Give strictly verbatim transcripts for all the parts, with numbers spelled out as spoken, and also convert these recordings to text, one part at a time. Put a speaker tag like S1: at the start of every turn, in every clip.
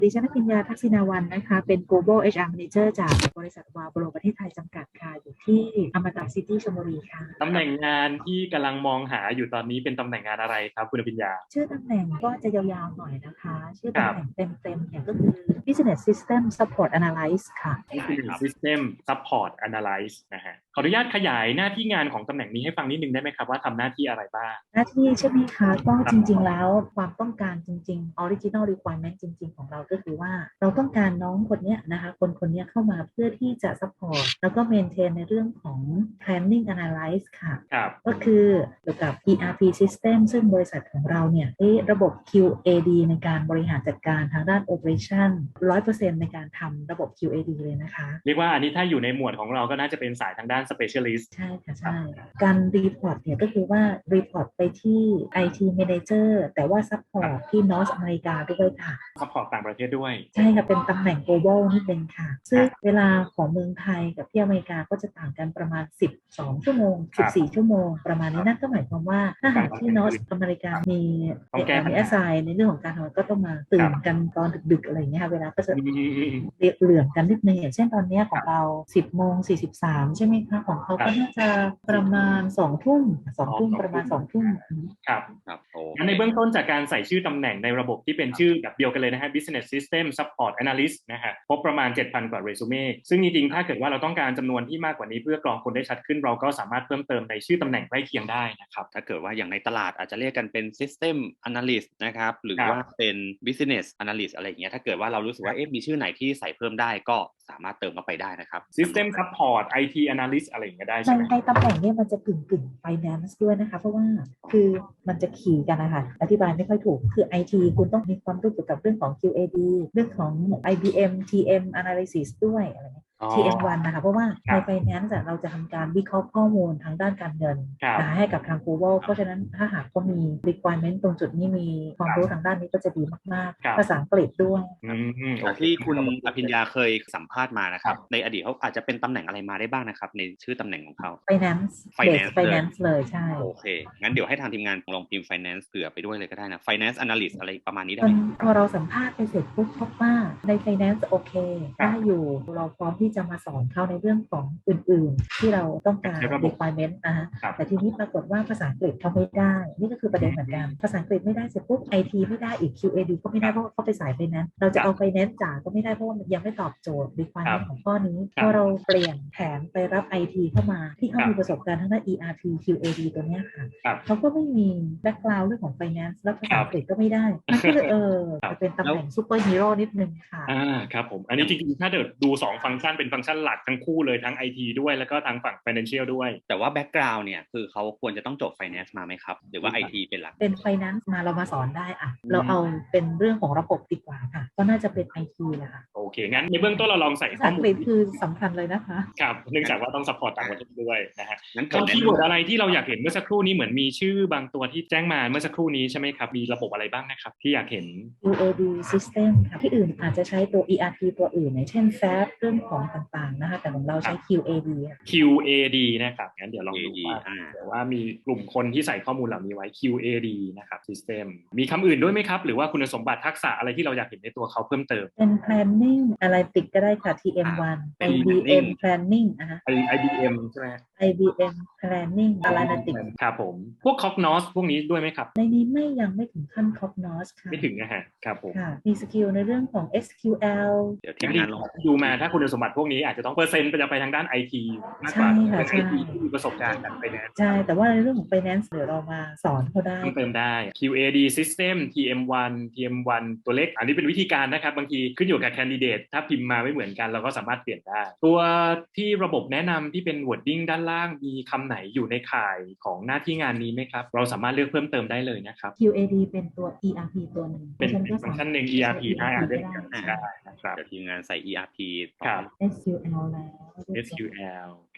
S1: ดิฉันพิญญาทักษิณาวันนะคะเป็น Global เอช อาร์ Manager จากบริษัทวาโบโรประเทศไทยจำกัดค่ะอยู่ที่อมตะซิตี้ชลบุรีค่ะ
S2: ตำแหน่งงานที่กำลังมองหาอยู่ตอนนี้เป็นตำแหน่งงานอะไรครับคุณพิญญา
S1: ชื่อตำแหน่งก็จะยาวๆหน่อยนะคะชื่อ
S2: ครั
S1: ตำ
S2: บ
S1: แหน่งเต็มๆเนี่ยก็คือ Business System Support Analyst ค่ะ
S2: Business System Support Analyst นะฮะขออนุญาตขยายหน้าที่งานของตำแหน่งนี้ให้ฟังนิดนึงได้ไหมครับว่าทำหน้าที่อะไรบ้าง
S1: หน้าที่ใช่ไหมคะก็จริงๆแล้วความต้องการจริงๆ original requirement จริงๆของเราก็คือว่าเราต้องการน้องคนเนี้ยนะคะคนคนนี้เข้ามาเพื่อที่จะ support แล้วก็ maintain ในเรื่องของ planning analyze ค่ะก็คือเกี่ยวกับ อี อาร์ พี system ซึ่งบริษัทของเราเนี่ยระบบ คิว เอ ดี ในการบริหารจัดการทางด้าน operation หนึ่งร้อยเปอร์เซ็นต์ ในการทำระบบ คิว เอ ดี เลยนะคะ
S2: เรียกว่าอันนี้ถ้าอยู่ในหมวดของเราก็น่าจะเป็นสายทางด้าน specialist
S1: ใช่ค่ะใช่การ report เนี่ยก็คือว่า report ไปที่ ไอ ที Manager แต่ว่า support ที่ North อเมริกาด้วยค่ะ
S2: support ต่างประเทศด้วย
S1: ใช่ค่ะเป็นตำแหน่ง global นิดนึงค่ะซึ่งเวลาของเมืองไทยกับที่อเมริกาก็จะต่างกันประมาณสิบสองชั่วโมงสิบสี่ชั่วโมงประมาณนี้นั่นก็หมายความว่าถ้าหากที่ North อเมริกามีมี assign ในเรื่องของการทำงานก็ต้องมาตื่นกันตอนดึกๆอะไรอย่างเงี้ยค่ะเวลาก็จะเหลื่อมกันนิดนึงอย่างเช่นตอนนี้ของเราสิบโมงสี่สิบสามใช่ไหมคะของเขาก็น่าจะประมาณสองทุ่มสองทุ่มประมาณสองทุ่ม
S2: ครับครับโอ้งั้นในเบื้องต้นจากการใส่ชื่อตำแหน่งในระบบที่เป็นชื่อแบบเดียวกันเลยนะฮะ Business System Support Analyst นะฮะพบประมาณ เจ็ดพัน กว่าเรซูเม่ซึ่งจริงๆถ้าเกิดว่าเราต้องการจำนวนที่มากกว่านี้เพื่อกรองคนได้ชัดขึ้นเราก็สามารถเพิ่มเติมในชื่อตำแหน่งใกล้เคียงได้นะครับ
S3: ถ้าเกิดว่าอย่างในตลาดอาจจะเรียกกันเป็น System Analyst นะครับหรือว่าเป็น Business Analyst อะไรอย่างเงี้ยถ้าเกิดว่าเรารู้สึกว่าเอ๊ะมีชื่อไหนที่ใส่เพิ่มได้ก็สามารถเติมเข้าไปได้นะครับ
S2: System Support ไอ ที Analyst อะไรอย่างเงี้ยได้ใช่ไหม
S1: ในตำแหน่งนี้มันจะกึ่งกึ่ง Finance ด้วยนะคะเพราะว่าคือมันจะขี่กันนะคะอธิบายไม่ค่อยถูกคือ ไอ ที คุณต้องมีความรู้เกี่ยวกับเรื่องของ คิว เอ ดี เรื่องของ ไอ บี เอ็ม ที เอ็ม Analysis ด้วยอะไรเงี้ย ที เอ็ม วัน นะคะเพราะว่าใน Finance เราจะทำการวิเคราะห์ข้อมูลทางด้านการเงินนะคะให้กับทาง Google เพราะฉะนั้นถ้าหากเขามี requirement ตรงจุดนี้มีความรู้ทางด้านนี้ก็จะดีมากๆภาษาอังกฤษด้วย
S3: ที่คุณอภิญญาเคยสัมภาษณ์มานะครับในอดีตเขาอาจจะเป็นตำแหน่งอะไรมาได้บ้างนะครับในชื่อตำแหน่งของเขา
S1: Finance
S3: Finance
S1: Finance เลยใช่
S3: โอเคงั้นเดี๋ยวให้ทางทีมงานลองพิมพ์ Finance เผื่อไปด้วยเลยก็ได้นะ Finance Analyst อะไรประมาณนี้ได้ไหม
S1: พอเราสัมภาษณ์ไปเสร็จปุ๊บพบว่าใน Finance โอเคได้อยู่เราพร้อมที่จะมาสอนเขาในเรื่องของอื่นๆที่เราต้องการ requirement นะฮะแต่ทีนี้ปรากฏว่าภาษาอังกฤษเขาไม่ได้นี่ก็คือประเด็นเหมือนกันภาษาอังกฤษไม่ได้เสร็จปุ๊บ ไอ ที ไม่ได้อีก คิว เอ ดี ก็ไม่ได้เพราะว่าเขาไปสาย Finance เราจะเอา Finance จ๋าก็ไม่ได้เพราะว่ามันยังไม่ตอบโจทย์ requirement ของข้อนี้พอเราเปลี่ยนแผนไปรับ ไอ ที เข้ามาที่เขามีประสบการณ์ทางด้าน อี อาร์ พี คิว เอ ดี ตัวเนี้ยค่ะเขาก็ไม่มี background เรื่องของ Finance และภาษาอังกฤษก็ไม่ได้มันก็เลยเออจะเป็นตำแหน่งซูเปอร์ฮีโร่นิดนึงค่ะ
S2: อ่าครับผมอันนี้จริงๆถ้าเกิดดูสองฟังก์ชันเป็นฟังก์ชันหลักทั้งคู่เลยทั้ง ไอ ที ด้วยแล้วก็ทางฝั่ง Financial ด้วย
S3: แต่ว่า background เนี่ยคือเขาควรจะต้องจบ Finance มาไหมครับหรือว่า ไอ ที เป็นหลัก
S1: เป็น Finance มาเรามาสอนได้อ่ะเราเอาเป็นเรื่องของระบบดีกว่าค่ะก็น่าจะเป็น ไอ ที แหละค่ะ
S2: โอเคงั้นในเบื้องต้นเราลองใส่
S1: ข้อมูลคือสำคัญเลยนะคะ
S2: ครับเนื่องจากว่าต้อง support ต่างประเทศด้วยนะฮะงั้นคีย์เวิร์ดอะไรที่เราอยากเห็นเมื่อสักครู่นี้เหมือนมีชื่อบางตัวที่แจ้งมาเมื่อสักครู่นี้ใช่ไหมครับมีระบบอะไรบ้างนะครับที่อยากเห็น
S1: คิว เอ ดี System ค่ะที่อื่นอาจจะใช้ตัว อี อาร์ พี ตัวอื่นอย่างเช่น แซป เรื่องของต่างๆนะคะแต่ของเราใช้ คิว เอ ดี
S2: คิว เอ ดี นะครับงั้นเดี๋ยวลองดูว่าแต่ว่ามีกลุ่มคนที่ใส่ข้อมูลเหล่านี้ไว้ คิว เอ ดี นะครับ System มีคำอื่นด้วยไหมครับหรือว่าคุณสมบัติทักษะอะไรที่เราอยากเห็นในตัวเขาเพิ่มเติม
S1: เป็น planning analytics ก็ได้ค่ะ ที เอ็ม วัน ไอ บี เอ็ม planning นะคะ
S2: ไอ บี เอ็ม ใช่ไหม
S1: ไอ บี เอ็ม planning analytics
S2: ครับผมพวก Cognos พวกนี้ด้วยไหมครับ
S1: ในนี้ไม่ยังไม่ถึงขั้น Cognos ค่ะ
S2: ไม่ถึงนะฮะครับผม
S1: มีสกิลในเรื่องของ เอส คิว แอล
S2: เดี๋ยวทีมงานลองดูมาถ้าคุณสมบัติพวกนี้อาจจะต้องเปอร์เซ็นต์จะไปทางด้าน ไอ ที มากกว่าเป็น ไอ ที ที่มีประสบการณ์กับ Finance
S1: ใช่แต่ว่าในเรื่องของ Finance เดี๋ยวเรามาสอนเขาได้
S2: เติมได้ คิว เอ ดี System ที เอ็ม วัน ที เอ็ม วัน ตัวเล็กอันนี้เป็นวิธีการนะครับบางทีขึ้นอยู่กับ candidate ถ้าพิมพ์มาไม่เหมือนกันเราก็สามารถเปลี่ยนได้ตัวที่ระบบแนะนำที่เป็น wording ด้านล่างมีคำไหนอยู่ในข่ายของหน้าที่งานนี้ไหมครับเราสามารถเลือกเพิ่มเติมได้เลยนะครับ
S1: คิว เอ ดี เป็นตัว อี อาร์ พี ตัวหนึ่ง
S2: เป็นฟังก์ชันหนึ่ง อี อาร์ พี ได้อาจจะได้
S3: นะครับเดี๋ยวทีมงานใส่ อี อาร์ พี
S2: ครับ
S1: เอส คิว แอล แล้ว
S2: เอส คิว แอล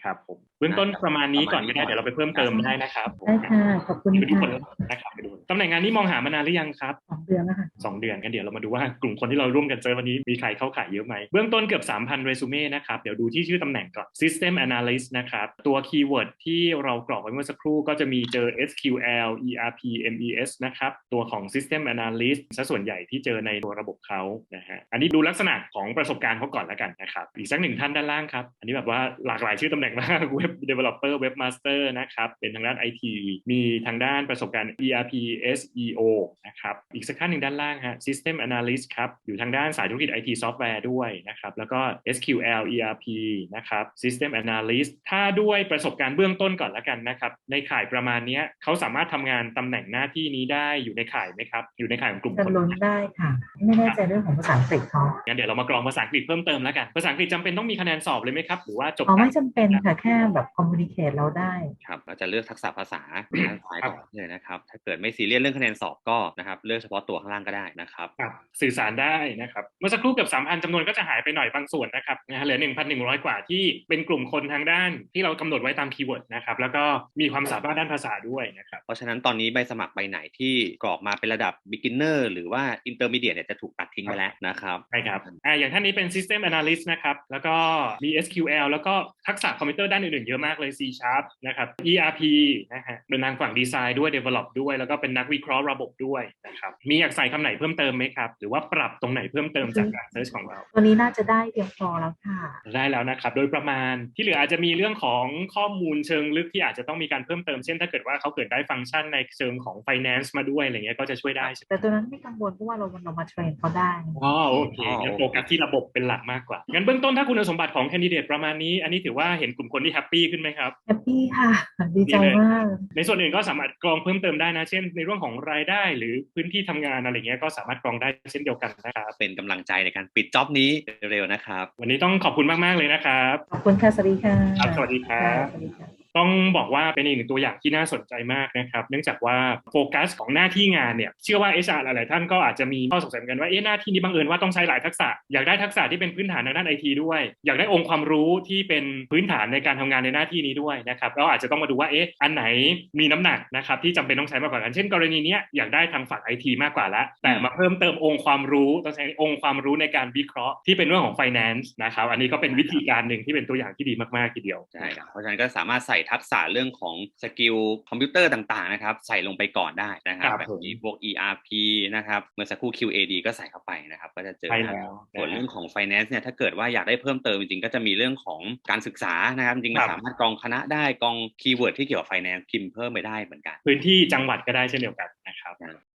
S2: ครับผมเบื้องต้นประมาณนี้ก่อนก็ได้เดี๋ยวเราไปเพิ่มเติมได้นะครับ
S1: ได้ค่ะขอบคุณ
S2: ไปดูผ
S1: ค่ะ
S2: ลนะครับไปดูตำแหน่งงานนี้มองหามานานหรือยังครับ
S1: สองเดือนแล้วค่ะ
S2: สองเดือนกันเดี๋ยวเรามาดูว่ากลุ่มคนที่เราร่วมกันเจอวันนี้มีใครเข้าขายเยอะไหมเบื้องต้นเกือบ สามพัน เรซูเม่นะครับเดี๋ยวดูที่ชื่อตำแหน่งก่อน System Analyst นะครับตัวคีย์เวิร์ดที่เรากรอกไว้เมื่อสักครู่ก็จะมีเจอ เอส คิว แอล อี อาร์ พี เอ็ม อี เอส นะครับตัวของ System Analyst ซะส่วนใหญ่ที่เจอในตัวระบบเขานะฮะอันนี้ดูลักษณะของประสบการณ์เขาก่อนแล้วกันนะครับอีกสักหนึ่งท่านด้านล่างครับอันนี้แบบว่าหลากหลายชื่อตำแหน่งมาก Web Developer Web Master นะครับเป็นทางด้าน ไอ ที มีทางด้านประสบการณ์ อี อาร์ พี เอส อี โอ นะครับอีกสักท่านหนึ่งด้านล่างฮะ System Analyst ครับอยู่ทางด้านสายธุรกิจ ไอ ที Software ด้วยนะครับแล้วก็ เอส คิว แอล อี อาร์ พี นะครับ System Analyst ถ้าด้วยประสบการณ์เบื้องต้นก่อนแล้วกันนะครับในข่ายประมาณนี้เขาสามารถทำงานตำแหน่งหน้าที่นี้ได้อยู่ในข่ายไหมครับอยู่ในข่ายของกลุ่ม
S1: จะ
S2: คน
S1: ล้นได้ค่ะ ไม่แน่ใจเรื่องของภาษาอังกฤษเขา
S2: งั้นเดี๋ยวเรามากรองภาษาอังกฤษเพิ่มเติมแล้วกันภาษาอังกฤษจำเป็นต้องมีคะแนนสอบเลยไหมครับหรือว่าจบ
S1: อ๋อไม่จำเป็นค่ะแค่แบบคอมมูนิเคตเราได้
S3: ครับเราจะเลือกทักษะภาษาด้านซ้ายต่อเลยนะครับถ้าเกิดไม่ซีเรียสเรื่องคะแนนสอบก็นะครับเลือกเฉพาะตัวข้างล่างก็ได้นะครับ
S2: ครับสื่อสารได้นะครับเมื่อสักครู่เกือบ สามพัน จำนวนก็จะหายไปหน่อยบางส่วนนะครับนะฮะเหลือ หนึ่งพันหนึ่งร้อย กว่าที่เป็นกลุ่มคนทางด้านที่เรากำหนดไว้ตามคีย์เวิร์ดนะครับแล้วก็มีความสามารถด้านภาษาด้วยนะครับ
S3: เพราะฉะนั้นตอนนี้ใบสมัครใบไหนที่กรอกมาเป็นระดับ beginner หรือว่า intermediate เนี่ยจะถูกตัดทิ้งไปแล้วนะครับ
S2: ใช่ครับอ่าอย่างท่านนี้เป็น System Analyst นะครับแล้วก็มี เอส คิว แอล แล้วก็ทักษะคอมพิวเตอร์ด้านอื่นๆเยอะมากเลย C Sharp นะครับ อี อาร์ พี นะฮะเป็นทางฝั่งดีไซน์ด้วย develop ด้วยแล้วก็เป็นนักวิเคราะห์ระบบด้วยนะครับมีอยากใส่คำไหนเพิ่มเติมไหมครับหรือว่าปรับตรงไหนเพิ่มเติมจากการเซิร์ชของเรา
S1: ตัวนี้น่าจะได้เพียงพอแล้วค่ะ
S2: ได้แล้วนะครับโดยประมาณที่เหลืออาจจะมีเรื่องของข้อมูลเชิงลึกที่อาจจะต้องมีการเพิ่มเติมเช่นถ้าเกิดว่าเขาเกิดได้ฟังก์ชันในเชิงของ finance มาด้วยอะไรเงี้ยก็จะช่วยได้ใช่ไหม
S1: แต่ตัวนั้นไม่กังวลเพราะว่าเราเรามาเทรนเขาได้
S2: อ๋อโอเคงั้นโฟกัสที่ระบบเป็นหลักมากกว่างั้นเบื้องต้นถ้าคุณสมบัติของแคนดิเดตประมาณนี้อันนี้ถือว่าเห็นกลุ่มคนที่แฮปปี้ขึ้นไหมครับ
S1: แฮปปี้ค่ะ ดีใจมาก
S2: ในส่วนอื่นก็สามารถกรองเพิ่มเติมได้นะเช่นในเรื่องของรายได้หรือพื้นที่ทำงานอะไรเงี้ยก็สามารถกรองได้เช่นเดียวกันนะครับ
S3: เป็นกำลังใจในการปิดจ็อบนี้เร็วๆนะครับ
S2: วันนี้ต้องขอบคุณมากๆเลยนะครับ
S1: ขอบคุณค่ะ สวัสดีค่ะ
S2: ครับสวัสดีครับ
S1: สวัสดีค่ะ
S2: ต้องบอกว่าเป็นอีกหนึ่งตัวอย่างที่น่าสนใจมากนะครับเนื่องจากว่าโฟกัสของหน้าที่งานเนี่ยเชื่อว่า เอช อาร์ หลายๆท่านก็อาจจะมีข้อสงสัยเหมือนกันว่าเอ๊ะหน้าที่นี้บังเอิญว่าต้องใช้หลายทักษะอยากได้ทักษะที่เป็นพื้นฐานทางด้าน ไอ ที ด้วยอยากได้องค์ความรู้ที่เป็นพื้นฐานในการทำงานในหน้าที่นี้ด้วยนะครับเราอาจจะต้องมาดูว่าเอ๊ะอันไหนมีน้ำหนักนะครับที่จำเป็นต้องใช้มากกว่ากันเช่นกรณีนี้อยากได้ทางฝั่ง ไอ ที มากกว่าแล้วแต่มาเพิ่มเติมองค์ความรู้ต้องใช้องค์ความรู้ในการวิเคราะห์ที่เป็นเรื่องของ finance นะครับอันนี้ก็เป็นวิธีการหนึ่งที่เป็นตัวอย่างที่ดีมากๆทีเดียว
S3: ใช่ครับเพราะฉะนั้นก็สามารถใส่ทักษะเรื่องของสกิลคอมพิวเตอร์ต่างๆนะครับใส่ลงไปก่อนได้นะครับ
S2: ครับ
S3: แบบนี้พวก อี อาร์ พี นะครับเมื่อสักครู่ คิว เอ ดี ก็ใส่เข้าไปนะครับก็จะเจอ
S2: ใช่แล้ว
S3: ส่วนเรื่องของ finance เนี่ยถ้าเกิดว่าอยากได้เพิ่มเติมจริงๆก็จะมีเรื่องของการศึกษานะครับจริงๆมันสามารถกรองคณะได้กรองคีย์เวิร์ดที่เกี่ยวกับ finance พิมพ์เพิ่มไปได้เหมือนกัน
S2: พื้นที่จังหวัดก็ได้เช่นเดียวกันนะครับ